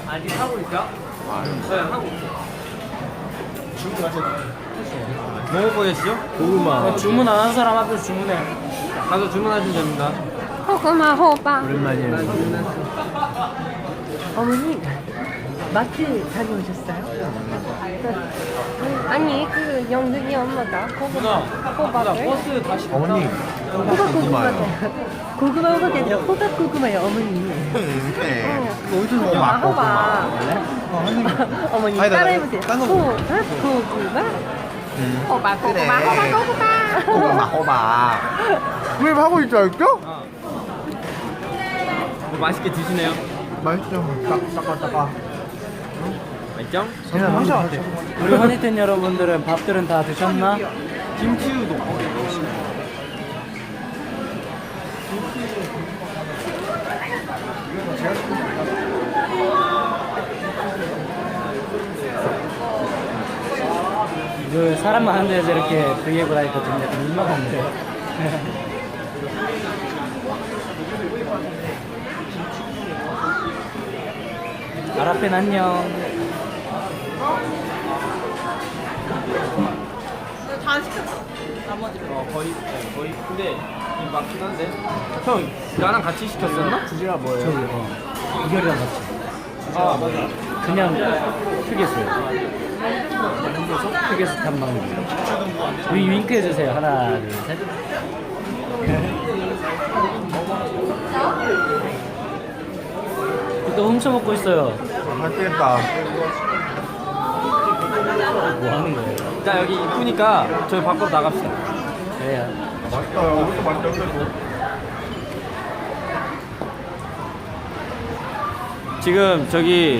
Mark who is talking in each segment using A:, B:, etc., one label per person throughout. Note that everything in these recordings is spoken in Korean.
A: 아직 하고 있어? 네, 하고 있어. 뭐 먹고 계시죠? 고구마.
B: 주문 안 한 사람 앞에서 주문해.
A: 가서 주문하시면 됩니다.
C: 고구마 호박.
B: 오랜만이에요.
C: 어머니 마트 다녀오셨어요? 아니 그 영등이 엄마가 고구마 호박을
A: 버스 다시
B: 어머니.
C: 호박 고구마다 고구마 호박이 아니라 호박 고구마요 어머니.
B: 어디서
C: 호박 호박. 어머니
B: 아니다,
C: 따라해보세요.
B: 딴거
C: 호박 고구마. 호박 고구마 호박 고구마.
B: 호박 호박. 왜 하고 있지 않죠?
A: 뭐 맛있게 드시네요.
B: 맛있죠. 따까.
A: 맛있죠?
B: 그냥 항상 같아. 우리 허니텐 여러분들은 밥들은 다 드셨나?
A: 김치 우동.
B: 그 사람 많은 데서 이렇게 브이앱을 하니까 좀 약간 민망한데. 아라펜 안녕.
D: 다 시켰어. 나머지를.
A: 거의. 근데 이 맞긴 한데. 형, 나랑 같이 시켰었나?
B: 주제가 뭐예요? 이결이랑 같이.
A: 아, 맞아.
B: 그냥 휴게소요. 휴게소 탐방기. 우리 윙크 해주세요. 하나, 둘, 셋. 또 훔쳐먹고 있어요.
E: 맛있겠다.
B: 뭐 하는 거예요?
A: 자, 여기 이쁘니까 저희 밖으로 나갑시다.
B: 그래요.
E: 맛있다. 이것도 맛있다. 그래도.
A: 지금 저기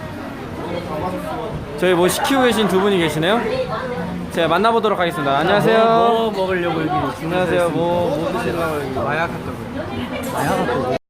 A: 뭐 시키고 계신 두 분이 계시네요. 제가 만나보도록 하겠습니다. 안녕하세요.
B: 뭐 먹으려고 여기
A: 안녕하세요. 뭐 드시려고 여기 마약 같다고요?
B: 마약 같고.